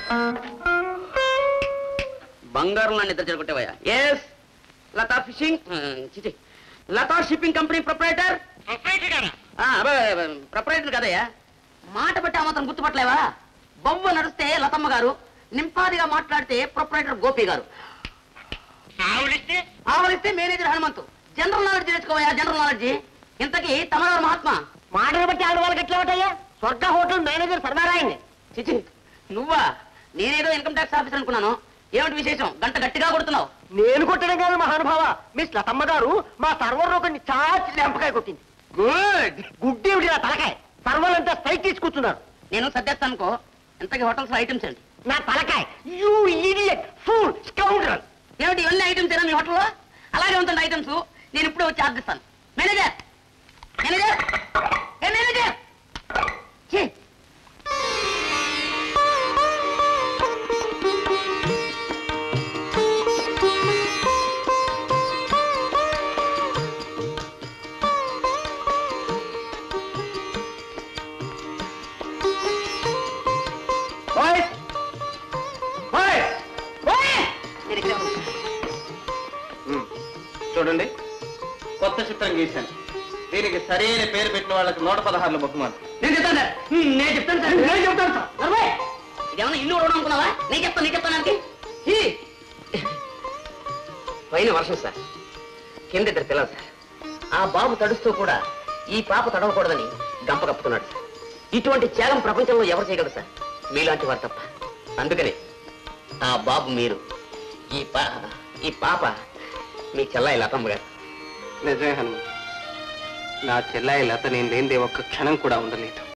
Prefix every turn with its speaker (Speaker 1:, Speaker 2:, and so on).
Speaker 1: బంగారం నా నిద్ర చెడగొట్టేవయ్యా. Yes, Latha fishing Latha shipping company proprietor. Proprietor కదయ్యా, మాట బట్టి ఆ మాత్రం గుర్తుపట్టలేవా? బొమ్మ నడిస్తే లతమ్మ గారు, నింపాదిగా మాట్లాడితే ప్రొపరేటర్ గోపి గారు, ఆవలిస్తే మేనేజర్ హనుమంతు. జనరల్ నాలెడ్జ్ నేర్చుకోవయ్యా, జనరల్ నాలెడ్జ్. ఇంతకీ తమరారు మహాత్మా
Speaker 2: మాటలు బట్టి ఆడవాళ్ళకి ఎట్లా ఉంటాయా? స్వర్గ హోటల్ మేనేజర్ సర్వారాయణ్ణి.
Speaker 1: చిచి, నువ్వా? నేనేదో ఇన్కమ్ ట్యాక్స్ ఆఫీసర్ అనుకున్నాను. ఏమిటి విశేషం? గంట గట్టిగా కొడుతున్నావు.
Speaker 2: నేను కొట్టడం కాదు మహానుభావ, మిస్ లతమ్మ గారు మా సర్వర్ ఒకరిని చాచి లెంపకాయ కొట్టింది. గుడ్ గుడ్ ఏమిటి నా తలకాయ? సర్వర్ అంతా స్ట్రైక్ తీసుకొస్తున్నారు.
Speaker 1: నేను సర్దేస్తాను అనుకో. ఇంతకీ హోటల్స్ లో ఐటమ్స్ ఏంటి?
Speaker 2: నా తలకాయ యూ ఇడియట్ ఫూల్ స్కౌండరల్.
Speaker 1: ఏమిటి ఇవన్నీ ఐటమ్స్ ఏనా మీ హోటల్లో? అలాగే ఉంటుంది ఐటమ్స్. నేను ఇప్పుడే వచ్చి ఆర్దిస్తాను. మేనేజర్, మేనేజర్, ఏ మేనేజర్!
Speaker 3: చూడండి, కొత్త చిత్రం గీశాను. దీనికి సరైన పేరు పెట్టిన వాళ్ళకి 116 బహుమానం.
Speaker 1: నేను చెప్తాను సార్. ఇదేమన్నా ఇల్లు ఉండడం అనుకున్నావా? నేను చెప్తాను. పైన వర్షం సార్, కింద ఇద్దరు పిల్లలు సార్. ఆ బాబు తడుస్తూ కూడా ఈ పాప తడవకూడదని గంప కప్పుతున్నాడు సార్. ఇటువంటి త్యాగం ప్రపంచంలో ఎవరు చేయగలరు సార్? మీలాంటి వారు తప్ప. అందుకని ఆ బాబు మీరు, ఈ పాప మీ చెల్లాయి లతమ్మ గారు.
Speaker 3: నిజమే హనుమ, నా చెల్లాయి లత నేను లేనిదే ఒక్క క్షణం కూడా ఉండలేదు.